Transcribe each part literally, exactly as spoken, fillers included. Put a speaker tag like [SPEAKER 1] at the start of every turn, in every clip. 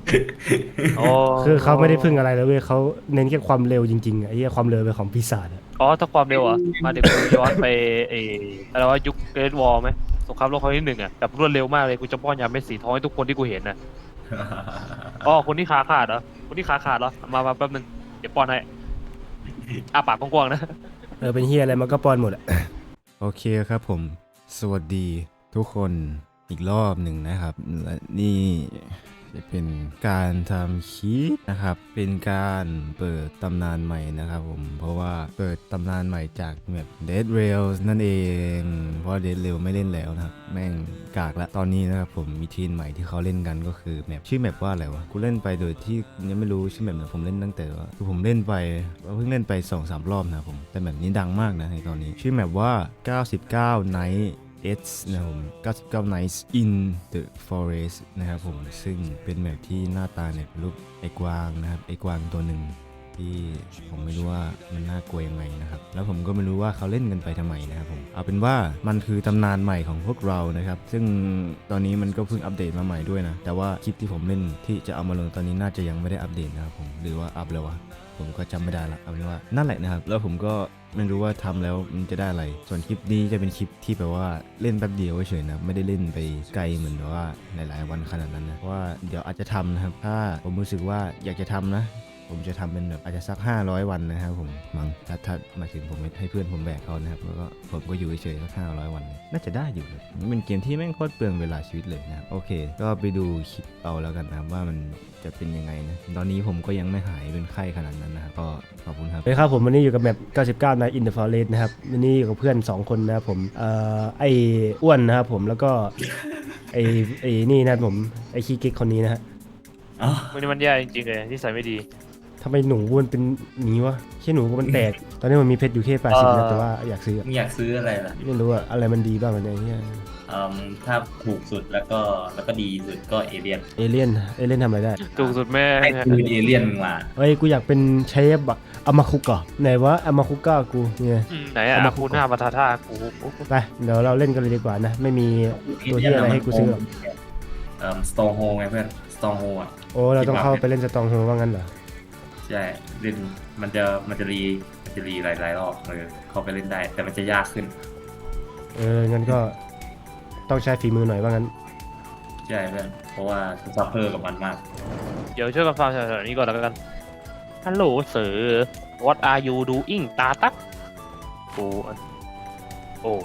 [SPEAKER 1] อ๋อ
[SPEAKER 2] คือเขาไม่ได้พึ่งอะไรเลยเว้ยเขาเน้นแค่ความเร็วจริงๆอะไอ้เหี้ยความเร็วเป็นของปีศาจอะ
[SPEAKER 1] อ๋อถ้าความเร็วอ่ะมาเดี๋ยวกูย้อนไปเอออะไรว่ายุคเกรทวอร์ไหมสงครามโลกครั้งที่หนึ่งอ่ะแบบรวดเร็วมากเลยกูจะป้อนยาเม็ดสีทองให้ทุกคนที่กูเห็นนะอ๋อคนที่ขาขาดเหรอคนที่ขาขาดเหรอมามาแป๊บนึงเดี๋ยวป้อนให้อ้าปากกว้างๆนะ
[SPEAKER 2] เออเป็นเฮียอะไรมันก็ป้อนหมดอะ โอเคครับผมสวัสดีทุกคนอีกรอบหนึ่งนะครับและนี่จะเป็นการทำคลิปนะครับเป็นการเปิดตำนานใหม่นะครับผมเพราะว่าเปิดตำนานใหม่จากแบบ Dead Rails นั่นเองเพราะ Dead Rails ไม่เล่นแล้วนะครับแม่งกากละตอนนี้นะครับผมมีทีมใหม่ที่เขาเล่นกันก็คือแมปชื่อแมปว่าอะไรวะกูเล่นไปโดยที่ยังไม่รู้ชื่อแมปนะผมเล่นตั้งแต่ว่าคือผมเล่นไปเพิ่งเล่นไป สองสาม รอบนะครับผมแต่แบบนี้ดังมากนะในตอนนี้ชื่อแมปว่า เก้าสิบเก้า Night It's นะครับผมเก้าสิบเก้า Nights in the Forest นะครับผมซึ่งเป็นแมปที่หน้าตาเนี่ยเป็นรูปไอ้กวางนะครับไอ้กวางตัวหนึ่งที่ผมไม่รู้ว่ามันน่ากลัวยังไงนะครับแล้วผมก็ไม่รู้ว่าเขาเล่นกันไปทำไมนะครับผมเอาเป็นว่ามันคือตำนานใหม่ของพวกเรานะครับซึ่งตอนนี้มันก็เพิ่งอัปเดตมาใหม่ด้วยนะแต่ว่าคลิปที่ผมเล่นที่จะเอามาลงตอนนี้น่าจะยังไม่ได้อัปเดตนะครับผมหรือว่าอัปแล้ววะผมก็จำไม่ได้ละเอาเป็นว่านั่นแหละนะครับแล้วผมก็ไม่รู้ว่าทำแล้วมันจะได้อะไรส่วนคลิปนี้จะเป็นคลิปที่แบบว่าเล่นแป๊บเดียวเฉยๆนะไม่ได้เล่นไปไกลเหมือนแบบว่าหลายๆวันขนาดนั้นนะเพราะว่าเดี๋ยวอาจจะทำนะครับถ้าผมรู้สึกว่าอยากจะทำนะผมจะทำเป็นแบบอาจจะสักห้าร้อยวันนะครับผมมั้งถ้าถ้าหมายถึงผมให้เพื่อนผมแบกเขานะครับแล้วก็ผมก็อยู่เฉยๆสักห้าร้อยวันน่าจะได้อยู่นะมันเป็นเกมที่แม่งโคตรเปลืองเวลาชีวิตเลยนะครับโอเคก็ไปดูคลิปเอาแล้วกันนะครับว่ามันจะเป็นยังไงนะตอนนี้ผมก็ยังไม่หายเป็นไข้ขนาดนั้นนะครับก็ขอบคุณครับ สวัสดีครับผมวันนี้อยู่กับแมปเก้าสิบเก้า Night in the Forest นะครับวันนี้อยู่กับเพื่อนสองคนนะครับผมเอ่อไอ้อ้วนนะครับผมแล้วก็ไอ้ไอ้นี่นะครับผมไอ้ขี้เก๊กคนนี้นะฮะ
[SPEAKER 3] อ๋อ
[SPEAKER 1] วันนี้มันแย่จริงๆเลยที่ใส่ไม่ดี
[SPEAKER 2] ทำไมหนูมันเป็นอย่างนี้วะแค่หนูมันแตกตอนนี้มันมีเพชรอยู่แค่แปด
[SPEAKER 1] เอ่
[SPEAKER 2] สิบนะ
[SPEAKER 1] อ
[SPEAKER 2] แต่ว่าอยากซื้ออะ
[SPEAKER 3] มึงอยากซื้ออะไรล่ะ
[SPEAKER 2] ไม่รู้อะอะไรมันดีบ้างอะไรเงี้ย
[SPEAKER 3] เอ่มถ้าถูกสุดแล้วก็แล้วก็ดีสุดก็เอเลียน
[SPEAKER 2] เอเลี่ยนเอเลี่ยนทำอะไรได้
[SPEAKER 1] ถูกสุดแม่
[SPEAKER 3] ให้คืนเอเลียนมึงมา
[SPEAKER 2] เฮ้ยกูอยากเป็นเชฟอะอามาคุกะไหนวะอามาคุกะกูเนี่ย
[SPEAKER 1] อืมไหนอ่ะคูหน้ามาทาท่ากู
[SPEAKER 2] ไปเดี๋ยวเราเล่นกันเลยดีกว่านะไม่มีตัวที่อะไรให้กูซื้อหรอก
[SPEAKER 3] เอ่อสโตงโฮไงเพื่อนสโตงโฮอ่ะ
[SPEAKER 2] โอ้เราต้องเข้าไปเล่นสตองโฮว่างั้นเหรอ
[SPEAKER 3] ใช่เล่นมันจะมันจะรีมันจะรีหลายๆรอบเออเข้าไปเล่นได้แต่มันจะยากขึ้น
[SPEAKER 2] เอองั้นก็ต้องใช้ฝีมือหน่อยว่างั้น
[SPEAKER 3] ใช่เพื่อนเพราะว่าซัพเพอร์กับมันมาก
[SPEAKER 1] เดี๋ยวช่วยกันฟังแถวๆนี้ก่อนแล้วกันฮัลโหลเสือ what are you doing ตาตักโอ้โอ้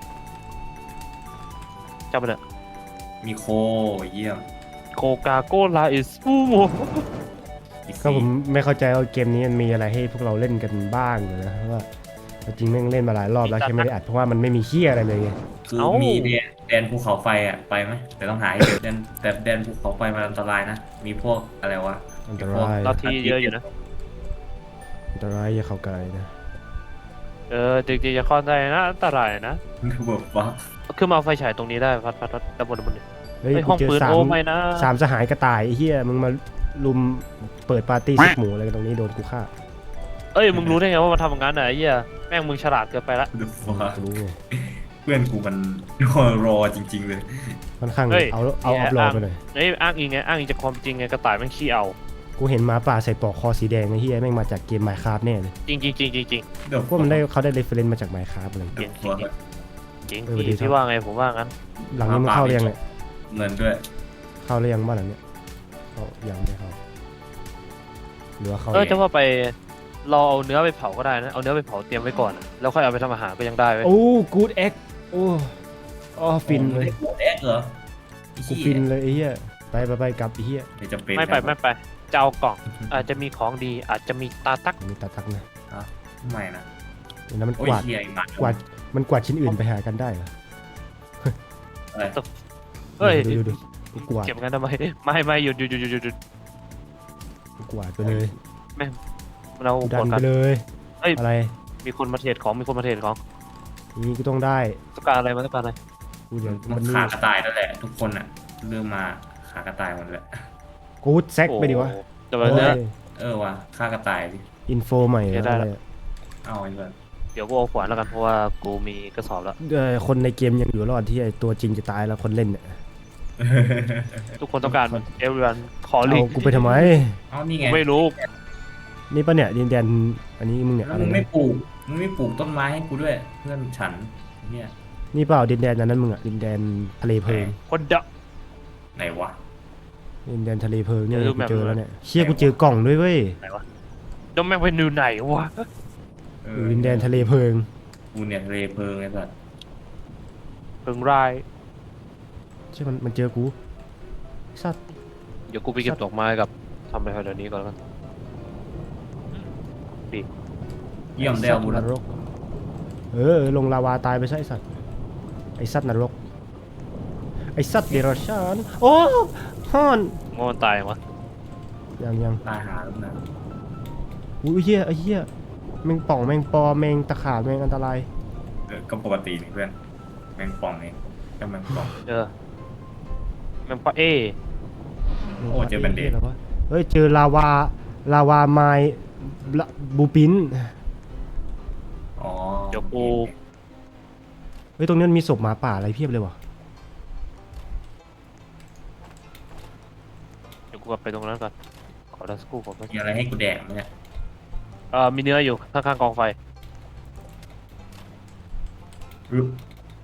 [SPEAKER 1] จำไปเลย
[SPEAKER 3] มีโคเยี่ยม
[SPEAKER 1] โคกาโกลาอิสฟูโม
[SPEAKER 3] อีก
[SPEAKER 2] ก็ผมไม่เข้าใจว่าเกมนี้มันมีอะไรให้พวกเราเล่นกันบ้างเลยนะเพราะว่าจริงแม่งเล่นมาหลายรอบแล้วแค่ไม่ได้อัดเพราะว่ามันไม่มีเฮียอะไรเลยไง
[SPEAKER 3] คือมีแดนแดนภูเขาไฟอ่ะไปไหมแต่ต้องหาให้เจอแดนแต่แดนภูเขาไฟมันอันตรายนะมีพวกอะไรวะ
[SPEAKER 2] อันตราย
[SPEAKER 1] เราทีเยอะอยู่นะ
[SPEAKER 2] อันตรายอย่าเข้าใกล้นะ
[SPEAKER 1] เออจริงๆจะเข้าได้นะอันตรายนะ
[SPEAKER 3] แบบว่า
[SPEAKER 1] ขึ้นมาเอาไฟฉายตรงนี้ได้พัดพัดพัดด้านบนด้านบน
[SPEAKER 2] เฮ้ย
[SPEAKER 1] ไอห้
[SPEAKER 2] กู
[SPEAKER 1] อง
[SPEAKER 2] เจอ
[SPEAKER 1] ปืน
[SPEAKER 2] สาม
[SPEAKER 1] โอ้ไม่นะ
[SPEAKER 2] สามสหายกระต่ายไอ้เฮียมึงมาลุมเปิดปาร์ตี้ซุปหมูอะไรกันตรงนี้โดนกูฆ่า
[SPEAKER 1] เอ้ยมึงรู้ได้ไงว่ามันทำอย่างนั้นอ่ะไอ้เหี้ยแม่งมึงฉลาดเกินไปละ
[SPEAKER 3] เดว่า
[SPEAKER 2] กูรู้ไง
[SPEAKER 3] เพื่อนกูมันรอจริง ๆ เลย
[SPEAKER 2] ค่อนข้าง
[SPEAKER 1] เฮ้ย
[SPEAKER 2] เอาเอาอัพโหลดไปหน่อย
[SPEAKER 1] เอ้ยอ้างอิงไงอ้างอิงจากความจริงไงกระต่ายแม่งขี้เอา
[SPEAKER 2] กูเห็นหมาป่าใส่ปลอกคอสีแดงไอ้เฮียแม่งมาจากเกมไมค์คราฟแน่เลย
[SPEAKER 1] จริงจริงจริงจริงจริง
[SPEAKER 3] เดี๋ยว
[SPEAKER 2] พวกมันได้เขาได้เรฟเฟรนซ์มาจากไมค์คราฟอะไร
[SPEAKER 3] เดี๋ยวว่า
[SPEAKER 1] จริง
[SPEAKER 2] เออดี
[SPEAKER 1] พี่
[SPEAKER 2] ครับ
[SPEAKER 1] พี่ว่าไงผมว่างั้น
[SPEAKER 2] หลังนี้มันเข้าหรือยังเนี่ย
[SPEAKER 3] เงินด้วย
[SPEAKER 2] เข้าหรือยังบ้านหลังเนี้ยเข้ายังไม่เข้าหรือว่าเข้า
[SPEAKER 1] เออจะว่าไปเราเอาเนื้อไปเผาก็ได้นะเอาเนื้อไปเผาเตรียมไว้ก่อนอะแล้วค่อยเอาไปทำอาหารก็ยังได้เว้ย
[SPEAKER 2] โอ้กูดเอ็กโอ้อ๋อฟินเลย
[SPEAKER 3] โอ้เอ็กเหรอ
[SPEAKER 2] กูฟินเลยไอ้เหี้ยไปไปไปกลับไอ้เหี้ย
[SPEAKER 3] ไม่จำเป็น
[SPEAKER 1] ไม่ไปไม่ไปจะเอากล่องอาจจะมีของดีอาจจะมีตาตัก
[SPEAKER 2] มีตาตักนะ
[SPEAKER 3] ไม่นะ
[SPEAKER 2] แล้วมัน
[SPEAKER 3] โอ้
[SPEAKER 2] ก
[SPEAKER 3] ยว
[SPEAKER 2] าด
[SPEAKER 3] เฮียมาก
[SPEAKER 2] วาดมันกวาดชิ้นอื่นไปหากันได้เหรอ
[SPEAKER 3] อะไร
[SPEAKER 1] เฮ้ย
[SPEAKER 2] ดูดูดูกูกวาด
[SPEAKER 1] เก็บงั้นทำไมไม่ไม่หยุดหยุดหยุดหยุดหยุดหยุด
[SPEAKER 2] กูกวาดไปเลย
[SPEAKER 1] เรา
[SPEAKER 2] กู
[SPEAKER 1] ก
[SPEAKER 2] ดัน
[SPEAKER 1] ด
[SPEAKER 2] ไป
[SPEAKER 1] กัน
[SPEAKER 2] เลย
[SPEAKER 1] เอ้ย
[SPEAKER 2] อะไร
[SPEAKER 1] มีคนมาเทรดของมีคนมาเทรดของ
[SPEAKER 2] นี่กูต้องได้
[SPEAKER 1] ต้องการอะไรมาต้องการอะไร
[SPEAKER 2] กูเดี๋ยว
[SPEAKER 3] มั
[SPEAKER 2] มัน นนี่
[SPEAKER 3] ขากระต่ายนั่นแหละ ทุกคนอ่ะเริ่มมาขากระต่ายหมดเลย
[SPEAKER 2] กูดแซกไปดิวะ
[SPEAKER 1] แต่ว่าเนื้อ
[SPEAKER 3] เออว่ะฆ่ากระต่ายดิ
[SPEAKER 2] อินโฟใหม่
[SPEAKER 1] เดี๋ยวได้
[SPEAKER 2] อะไร
[SPEAKER 1] ละ
[SPEAKER 2] อะ
[SPEAKER 3] เอาไอ้เพื่อน
[SPEAKER 1] เดี๋ยวกูเอาขวานแล้วกันเพราะว่ากูมีกระสอบแล้ว
[SPEAKER 2] เออคนในเกมยังอยู่รอดที่ไอตัวจริงจะตายแล้วคนเล่นเนี่ย
[SPEAKER 3] เอ
[SPEAKER 1] ทุกคนต้องการมันเอเวอร์นคอล
[SPEAKER 2] เอา
[SPEAKER 1] ลิ่ง
[SPEAKER 2] กูไปทำไม
[SPEAKER 3] เอานี่ไง
[SPEAKER 1] ไม่รู้
[SPEAKER 2] นี่ปะเนี่ยดินแดนอันนี้มึงเนี่ย
[SPEAKER 3] แล้ว
[SPEAKER 2] อะไร
[SPEAKER 3] มึงไม่
[SPEAKER 2] นะ
[SPEAKER 3] ปลูกมึงไม่ปลูกต้นไม้ให้กูด้วย เพื่อนฉันเนี่ย
[SPEAKER 2] นี่เปล่าดินแดนนั้นมึงอะดินแดนทะเลเพลิง
[SPEAKER 1] คนเดา
[SPEAKER 3] ไหนวะ
[SPEAKER 2] ดินแดนทะเลเพลิงเนี่ย
[SPEAKER 1] เดี๋ยวดู
[SPEAKER 2] กู
[SPEAKER 1] แบบ
[SPEAKER 2] เจอแล้วเนี่ยเชี่ยกูเจอกล่องด้วยเว้ย
[SPEAKER 1] ไหนวะดอมแม่งไปนิวไหนวะ
[SPEAKER 3] เอ
[SPEAKER 2] อยู่ดินแดนทะเลเพลิง
[SPEAKER 3] กูเนี่ยทะเลเพลิงไอ้สัส
[SPEAKER 1] เพิ่งราย
[SPEAKER 2] ใช่มันมันเจอกูสัตว์
[SPEAKER 1] เดี๋ยวกูไปเก็บดอกไม้กับทำอะไรแถวนี้ก่อนแล้วกัน
[SPEAKER 3] เยี่ยมได้เอาบุญ
[SPEAKER 2] นรกเออลงลาวาตายไปใช่ไอ้สัตว์ไอสัตว์นรกไอสัตว์เดรัจฉานโอ้ฮอน
[SPEAKER 1] งอนตายมั้ย
[SPEAKER 2] ยังยัง
[SPEAKER 3] ตายหาแล้วนะ
[SPEAKER 2] อุ้ยเฮียไอเฮียแมงป่องแมงปอแมงตะขาบแมงอันตราย
[SPEAKER 3] เออก็ปกตินี่เพื่อนแมงป่องนี่ก็แมงป่อง
[SPEAKER 1] เจอแมันปะเอ
[SPEAKER 3] โอ้เจอแบนเดด
[SPEAKER 2] หี้ยอะไรวะเฮ้ยเจอลาวาลาวาไม้บูปิน
[SPEAKER 3] อ๋อ
[SPEAKER 1] เดี๋ยวกู
[SPEAKER 2] เฮ้ยตรงนี้มันมีศพหมาป่าอะไรเพียบเลยวะ
[SPEAKER 1] เดี๋ยวกูกลับไปตรงนั้นก่อนขอดัสกูก่อน
[SPEAKER 3] มีอะไรให้กูแดกไหมเนี่ย
[SPEAKER 1] เอ่อมีเนื้ออยู่ข้างๆกองไฟ
[SPEAKER 3] รึบ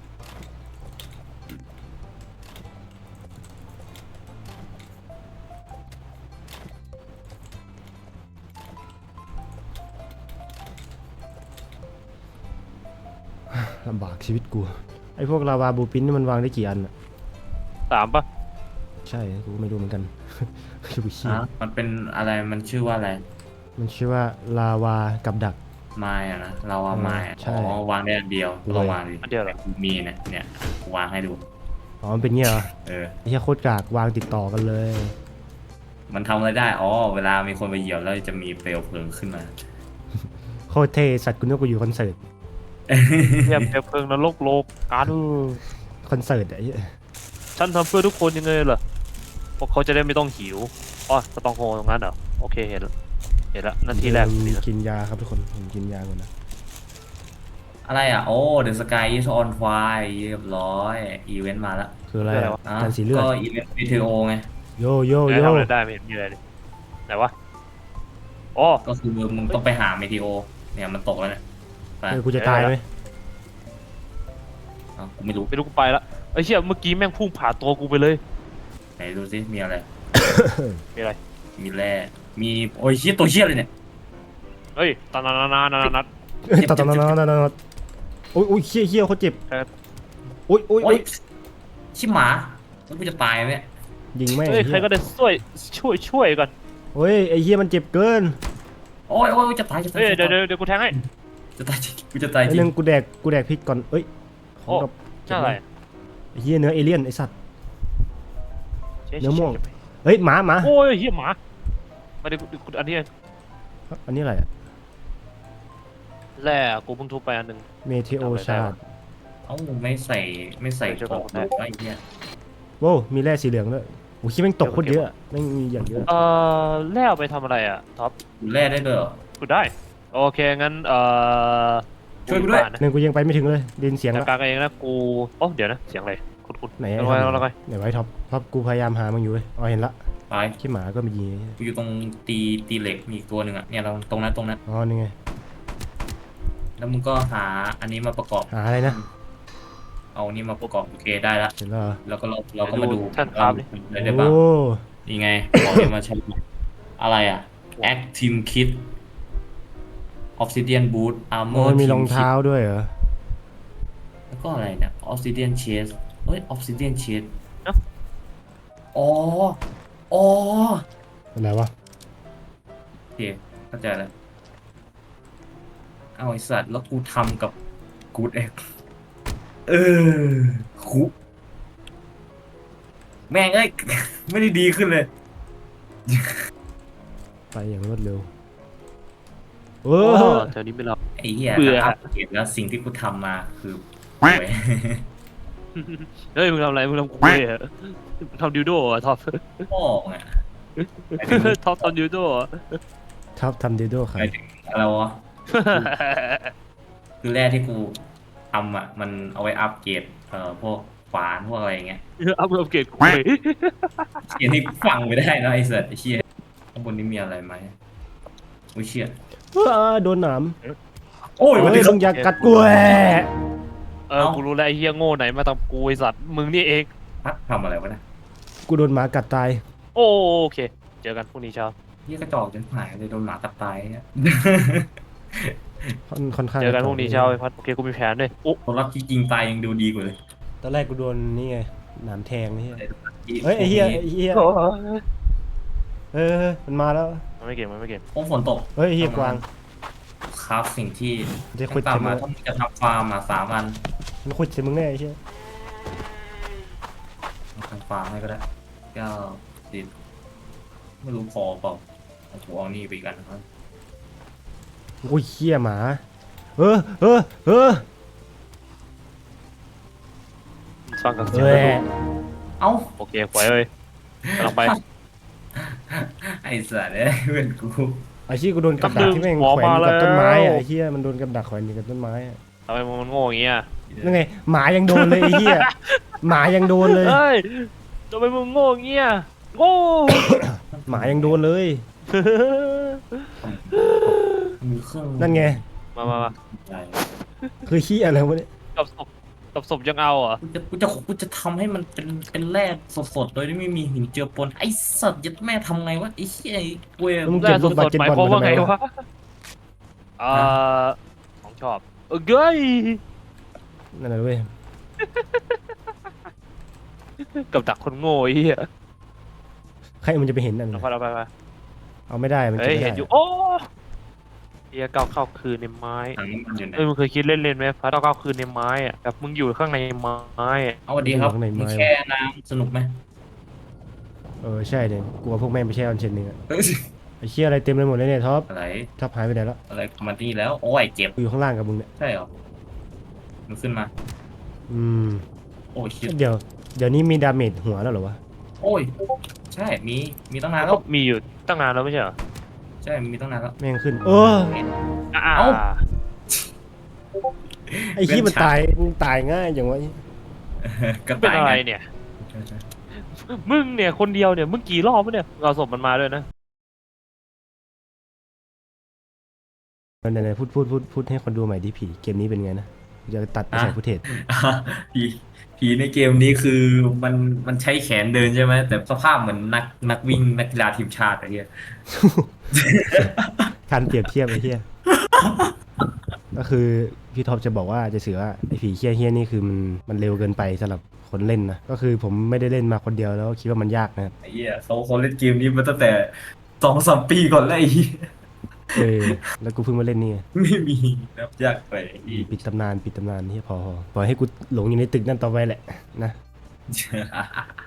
[SPEAKER 2] ลำบากชีวิตกูไอพวกลาวาบูปินนี่มันวางได้กี่อันอะ
[SPEAKER 1] สามปะ
[SPEAKER 2] ใช่กูก็ไม่รู้เหมือน กัน ชื่อกูเชี่ย
[SPEAKER 3] อ่ะมันเป็นอะไรมันชื่อว่าอะไร
[SPEAKER 2] มันชื่อว่าลาวากับดัก
[SPEAKER 3] ไม้อะนะเราว่าไม้อะ
[SPEAKER 2] ใช่
[SPEAKER 3] อ๋อวางได้อันเดียวลองวางดิ
[SPEAKER 1] อันเดียวเหรอ
[SPEAKER 3] กูมีนะเนี่ยกูวางให้ดู
[SPEAKER 2] อ๋อมันเป็นเงี้ยเหรอ
[SPEAKER 3] เออ
[SPEAKER 2] ไอ้เหี้ยโคตรกากวางติดต่อกันเลย
[SPEAKER 3] มันทำอะไรได้อ๋อเวลามีคนไปเหยียบแล้วจะมีเปลวเพลิงขึ้นมา
[SPEAKER 2] โคตรเท่สัตว์กูนึกว่ากูอยู่คอนเสิร์ต
[SPEAKER 1] เทียบเปลวเพลิงนรกโลกกัน
[SPEAKER 2] คอนเสิร์ตอะไอ้เหี้ย
[SPEAKER 1] ฉันทำเพื่อทุกคนยังไงเหรอพวกเขาจะได้ไม่ต้องหิวอ๋อสตองโฮตรงนั้นเหรอโอเคเห็นแล้วเห็นแล้วนั่นที่แรก
[SPEAKER 2] ผม
[SPEAKER 1] นี่นะ
[SPEAKER 2] กินยาครับทุกคนผมกินยาก่อนนะ
[SPEAKER 3] อะไรอ่ะโอ้ The Sky is on fire เรียบร้อยอีเวนต์มาแล้ว
[SPEAKER 2] คืออะไรอะ
[SPEAKER 3] อ่ะ
[SPEAKER 2] การสีเลือด
[SPEAKER 3] ก็อีเวนต์ วี ที โอ ไง
[SPEAKER 2] โยโย
[SPEAKER 1] เดี๋ยว
[SPEAKER 2] โย
[SPEAKER 1] ทำอะไรได้ไม่เห็นมีอะไรเลยไหนวะอ๋อ
[SPEAKER 3] ก็คือมึงต้องไปหาเมทีโอเนี่ยมันตกแล้วเนี่ยไป
[SPEAKER 2] เออกูจะตายไหม
[SPEAKER 3] อ่ะกูไม่รู้
[SPEAKER 1] ไม่รู้กูไปละไอ้เชี่ยเมื่อกี้แม่งพุ่งผ่านตัวกูไปเลย
[SPEAKER 3] ไหนดูสิมีอะไร
[SPEAKER 1] มีอะไร
[SPEAKER 3] มีแร่มีโอ้ยเชี่ยตัวเชี่ยเลยเนี่ย
[SPEAKER 1] เฮ้ยตานานานานานานา
[SPEAKER 2] ตัดตัดตัดตัดตัดโอ้ยโอ้ยเฮี้ยเฮี้ยเขาเจ็บ
[SPEAKER 1] ครับ
[SPEAKER 2] โอ้ยโอ้ย
[SPEAKER 3] โอ้
[SPEAKER 2] โอ้
[SPEAKER 3] ย
[SPEAKER 2] ย
[SPEAKER 3] ชิหมาแล้วกูจะตายไหมเนี่ย
[SPEAKER 2] ยิงแม่ง
[SPEAKER 1] เฮ้ยใครก็ได้ช่วยช่วยช่วยก่อน
[SPEAKER 2] โอ้ยไอ้เฮี้ยมันเจ็บเกิน
[SPEAKER 3] โอ้ยโอ้ยจะตายจะตาย
[SPEAKER 1] เฮ้ย
[SPEAKER 3] จะ
[SPEAKER 1] เดี๋ยว
[SPEAKER 3] ตาย
[SPEAKER 1] เดี๋ยวเดี๋ยวกูแทงให้
[SPEAKER 3] จะตายจริงกูจะตาย
[SPEAKER 2] ไอ้
[SPEAKER 3] จริ
[SPEAKER 2] นึ
[SPEAKER 3] ง
[SPEAKER 2] งกูแดกกูแดกพิษก่อนเอ้ยของกับ
[SPEAKER 1] ใช่อะไร
[SPEAKER 2] ไอ้เฮี้ยเนื้อเอเลี่ยนไอ้สัตว์
[SPEAKER 1] เชี่ย
[SPEAKER 2] เนื้อม่วง
[SPEAKER 1] เชี่ย
[SPEAKER 2] เฮ้ยหมาหมา
[SPEAKER 1] โอ้ยเฮียหมามาเดี๋ยวกูอันนี้
[SPEAKER 2] อันนี้อะไรอะ
[SPEAKER 1] แร่กูเพิ่งทุบไปอันหนึ่ง
[SPEAKER 2] เมเทโอชาร์ด
[SPEAKER 3] เอ้าไม่ใส่ไม่ใส่
[SPEAKER 1] เดี๋ยว
[SPEAKER 3] ข
[SPEAKER 1] จะ
[SPEAKER 3] อง
[SPEAKER 1] บอก
[SPEAKER 3] ดู
[SPEAKER 1] ให้
[SPEAKER 3] ไอ้เหี้ย
[SPEAKER 2] โว้วมีแร่สีเหลืองด้วยโอ้ยคิดแม่งตกโคตรเยอะแม่งมีอย่างเยอะ
[SPEAKER 1] เอ่อแร่เอาไปทำอะไรอ่ะท็อป
[SPEAKER 3] ดูแร่ได้ด้วยเหรอ
[SPEAKER 1] กูได้โอเคงั้นเอ่อ
[SPEAKER 3] ช่วยกูด้วย
[SPEAKER 1] นะ
[SPEAKER 2] หนึ่งกูยังไปไม่ถึงเลยดินเสียง
[SPEAKER 1] จัด
[SPEAKER 2] ละ
[SPEAKER 1] การเองนะกูโอ้เดี๋ยวนะเสียงอะไรคุณคุณ
[SPEAKER 2] ไหน
[SPEAKER 1] เอา
[SPEAKER 2] ไอ้
[SPEAKER 1] ไว้
[SPEAKER 2] ท็อป
[SPEAKER 1] เอาไว้
[SPEAKER 2] ไหนไว้ท็อปท็อปกูพยายามหามันอยู่เว้ยอ๋อเห็นละ
[SPEAKER 3] ไป
[SPEAKER 2] ขี้หมาก็มียิง
[SPEAKER 3] กูอยู่ตรงตีตีเหล็กมีอีกตัวหนึ่งอ่ะเนี่ยเราตรงนั้นตรงนั้น
[SPEAKER 2] อ๋อนี่ไง
[SPEAKER 3] แล้วมึงก็หาอันนี้มาประกอบ
[SPEAKER 2] หาอะไรนะ
[SPEAKER 3] เอานี่มาประกอบโอเคได้ละ
[SPEAKER 2] เห็นแล้วเหรอ
[SPEAKER 3] แล้วก็เราเราก็มาดู
[SPEAKER 1] ท่านครับ
[SPEAKER 3] อะไรได้บ้าง
[SPEAKER 2] โอ้
[SPEAKER 3] นี่ไงบอกให้มาใช้อะไรอ่ะ Active Kit Obsidian Boot
[SPEAKER 2] โอ้
[SPEAKER 3] Armor
[SPEAKER 2] ยมี
[SPEAKER 3] Team
[SPEAKER 2] รอง
[SPEAKER 3] Kit
[SPEAKER 2] เท้าด้วยเหรอ
[SPEAKER 3] แล้วก็อะไรเนี่ย Obsidian Chest เฮ้ย Obsidian Chest
[SPEAKER 1] เอ้า
[SPEAKER 3] อ๋ออ๋อ
[SPEAKER 2] อะไรวะ
[SPEAKER 3] โอเคเข้าใจแล้วเอาไอสัตว์แล้วกูทำกับกูดเอ็กเออคุแม่งเอ้ย ไม่ได้ดีขึ้นเลย
[SPEAKER 2] ไปอย่างรวดเร็วเอ
[SPEAKER 1] โอ้
[SPEAKER 2] อ
[SPEAKER 1] แถวนี้ไม่รับ
[SPEAKER 3] ไอ้เหี้ย
[SPEAKER 1] เบื่อ
[SPEAKER 3] อัปเกรดแล้วสิ่งที่กูทำมาคือป่วย
[SPEAKER 1] เฮ้ยมึงทำอะไรมึงทำกูเลยเหรอมึงทำดิวโดเหรอ่ะท็อป
[SPEAKER 3] พ่อไง
[SPEAKER 1] ท็อปทำดิวโดเหรอ
[SPEAKER 2] ท็อปทำเดโดครั
[SPEAKER 3] ห
[SPEAKER 2] บ
[SPEAKER 3] มายถึงอะไรวะ คือแร่ที่กูทำอ่ะ มันเอาไว้อัปเกรดเอ่อพวกขวานพวกอะไรอย่างเงี้ย
[SPEAKER 1] อัพอัปเกรดคุย
[SPEAKER 3] เขียนให้ฟังไม่ได้นะไอ้สัตว์ไอ้เชี่ยข้างบนนี้มีอะไรไหมอุ้ยเชี่ย
[SPEAKER 2] เออโดนหนาม
[SPEAKER 3] โอ้ย
[SPEAKER 2] เฮ้
[SPEAKER 3] วัน
[SPEAKER 2] ย
[SPEAKER 3] นี้
[SPEAKER 2] มึงอย่ากัดกูแหละ
[SPEAKER 1] เออกูรู้แล้วไอ้เหี้ยโง่ไหนมาทำกูไอ้สัตว์มึงนี่เอง
[SPEAKER 3] พักทำอะไรวะเนี่ย
[SPEAKER 2] กูโดนหมากัดตาย
[SPEAKER 1] โอเค เจอกันพรุ่งนี้เช้า
[SPEAKER 3] เฮียกระจอกจนหายเลยโดนหมากัดตายเนี่ย
[SPEAKER 2] ค่อนค่อนข้าง
[SPEAKER 1] เจอกันพรุ่งนี้เช้าไอ้พัดโอเคกูมีแผนด้วยโอ้
[SPEAKER 3] คนรับที่จริงตายยังดูดีกว่าเลย
[SPEAKER 2] ตอนแรกกูโดนนี่ไงหนามแทงนี่เฮ้ยไอ้เหี้ยไอ้เหี้ยเออมันมาแล้ว
[SPEAKER 1] มันไม่เก่งมันไม่เก่ง
[SPEAKER 3] โอ้ฝนตก
[SPEAKER 2] เฮ้ยไอ้เหี้ยกวาง
[SPEAKER 3] ครับสิ่งที่
[SPEAKER 2] จะขุด
[SPEAKER 3] ตามมา
[SPEAKER 2] ใส่มึง
[SPEAKER 3] ต้องจะทำฟาร์มมาสามวัน
[SPEAKER 2] มันขุดใส่มึงแน่ไอ้เหี้ย
[SPEAKER 3] ทำฟาร์มให้ก็ได้เก้าสิบไม่รู้พอเปล่าเอาหัวเอานี่ไปอีกันนะครับ
[SPEAKER 2] โอ้ยเหี้ยหมาเออเออเออ
[SPEAKER 1] ฟังกับเสียง
[SPEAKER 2] เฮ้
[SPEAKER 1] แล้ว
[SPEAKER 2] ย
[SPEAKER 1] ดู
[SPEAKER 3] เอ้า
[SPEAKER 1] โอเคปล่อยเลยกำลังไป
[SPEAKER 3] ไอ้สัตว์เอ้ยเพื่อนกู
[SPEAKER 2] ไอ้ชี้กูโดนกับดักที่แม่ง
[SPEAKER 1] หมอ
[SPEAKER 2] แขวนอยู่กับ
[SPEAKER 1] มาแล้ว
[SPEAKER 2] ต้นไม้อะไอ้เหี้ยมันโดนกับดักแขวนอยู่กับต้นไม้อะ
[SPEAKER 1] ทำไมมันโง่อย่างเงี้ย
[SPEAKER 2] นั่นไงหมายังโดนเลยไอ้เหี้ยหมายังโดนเลย
[SPEAKER 1] เฮ้ยทำไมมึงโง่อย่างเงี้ยโง่
[SPEAKER 2] หมายังโดนเลย
[SPEAKER 3] มีเครื่อง
[SPEAKER 2] นั่นไง
[SPEAKER 1] มามามา
[SPEAKER 3] ใหญ่
[SPEAKER 2] คือเหี้ยอะไรวะเนี่ย
[SPEAKER 1] กับศพกับศพยังเอาเหรอ่ะ
[SPEAKER 3] กูจะกูจะกูจะทำให้มันเป็นเป็นแร่สดๆโดยที่ไม่มีหินเจือปนไอ้สัตว์ยัดแม่ทำไงวะไอ้เหี้ยไอ้เว้ย
[SPEAKER 2] มึง
[SPEAKER 1] แร่
[SPEAKER 2] เก็บ
[SPEAKER 1] ส
[SPEAKER 2] ลูกบาส
[SPEAKER 1] ด
[SPEAKER 2] เกต
[SPEAKER 1] ๆหมาย
[SPEAKER 2] บอล
[SPEAKER 1] ความ
[SPEAKER 2] มา
[SPEAKER 1] ว่า
[SPEAKER 2] ทำไม
[SPEAKER 1] ไง
[SPEAKER 2] วะ
[SPEAKER 1] วะอ่าของชอบเออเก้ย
[SPEAKER 2] นั่นแหละเว้ย
[SPEAKER 1] กับดักคนโง่ไอ้เหี้ย
[SPEAKER 2] ใครมันจะไปเห็นนั่น
[SPEAKER 1] เอา
[SPEAKER 2] น่ะ
[SPEAKER 1] ไปเอาไปเอาไป
[SPEAKER 2] เอาไม่ได้มัน
[SPEAKER 1] เฮ้
[SPEAKER 2] เก็บ
[SPEAKER 1] ย
[SPEAKER 2] ไม่
[SPEAKER 1] เห็น
[SPEAKER 2] ได้
[SPEAKER 1] อยู่โอ้เฮียก้าวเข้าคืนในไม้
[SPEAKER 3] ถังน้ำมันอยู่ไหน
[SPEAKER 1] เอ้ยมึงเคยคิดเล่นๆไหมพัดก้าวคืนในไม้อะแบบมึงอยู่ข้างในไม้อะ
[SPEAKER 3] เอาสวัสดีครับมีแค่น้ำสนุกไหม
[SPEAKER 2] เออใช่เนี่ยกลัวพวกแม่งไปแช่ออนเชนนึงอะไอ้เชี่ยอะไรเต็มไปหมดเลยเนี่ยท็อป
[SPEAKER 3] อะไร
[SPEAKER 2] ท็อปหายไปไหนแล้ว
[SPEAKER 3] อะไรมาที่แล้วโอ้ยเจ็บ
[SPEAKER 2] อยู่ข้างล่างกับมึงเนี่ย
[SPEAKER 3] ใช่เหรอมันขึ้นมา
[SPEAKER 2] อืม
[SPEAKER 3] โอ้ยชิบ
[SPEAKER 2] เดี๋ยวเดี๋ยวนี้มีดาเมจหัวแล้วเหรอวะ
[SPEAKER 3] โอ้ยใช่มีมีตั้งนานแล้
[SPEAKER 1] ก็
[SPEAKER 3] ว
[SPEAKER 1] มีอยู่ตั้งนานแล้วไม่ใช่เหรอ
[SPEAKER 3] ใช่มีตั้งนานแล้ว
[SPEAKER 2] แม่งขึ้นเออ
[SPEAKER 1] อ่า
[SPEAKER 3] เอ้า
[SPEAKER 2] ไอ้ขี้มันตายมันตายง่ายอย่างวะ
[SPEAKER 3] ก็
[SPEAKER 1] เป็น
[SPEAKER 3] ตาย
[SPEAKER 1] อะไร
[SPEAKER 3] ไง
[SPEAKER 1] เนี่ย มึงเนี่ยคนเดียวเนี่ยมึงกี่รอบวะเนี่ยเราศพมันมาด้วยนะ
[SPEAKER 2] ไหนๆพูดพูดพูดพูดให้คนดูใหม่ดิผีเกมนี้เป็นไงนะกูจะตัดไปใส่ฟุตเทจ
[SPEAKER 3] อ่ะผีผีในเกมนี้คือมันมันใช้แขนเดินใช่ไหมแต่สภาพเหมือนนักนักวิ่งนักกีฬาทีมชาติอะไรเงี้ย
[SPEAKER 2] การเปรียบเทียบไอ้เหี้ยก็คือพี่ท็อปจะบอกว่าจะสื่อว่าไอ้ผีเฮี้ยเฮี้ยนี่คือมันมันเร็วเกินไปสำหรับคนเล่นนะก็คือผมไม่ได้เล่นมาคนเดียวแล้วคิดว่ามันยากนะครับ
[SPEAKER 3] ไอ้เหี้ยเขาเขาเล่นเกมนี้มาตั้งแต่สองสามปีก่อนแล้วไอ้เหี้ย
[SPEAKER 2] เออแล้วกูเพิ่งมาเล่นนี่ไง
[SPEAKER 3] ไม่มีนับยากไปไอ้เหี้ย
[SPEAKER 2] ปิดตำนานปิดตำนานที่พอพอปล่อยให้กูหลงอยู่ในตึกนั่นต่อไปแหละนะ